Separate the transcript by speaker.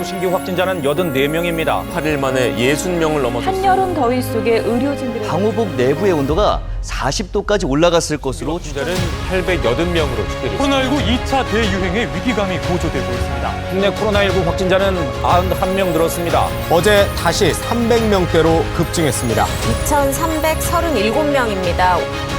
Speaker 1: 코로나19 신규 확진자는 84명입니다.
Speaker 2: 8일 만에 60명을 넘어섰습니다.
Speaker 3: 한여름 더위 속에 의료진들의
Speaker 4: 방호복 내부의 온도가 40도까지 올라갔을 것으로
Speaker 2: 확진자는 880명으로 집계됐습니다.
Speaker 5: 코로나19 2차 대유행의 위기감이 고조되고 있습니다.
Speaker 1: 국내 코로나19 확진자는 91명 늘었습니다.
Speaker 6: 어제 다시 300명대로 급증했습니다.
Speaker 7: 2,337명입니다.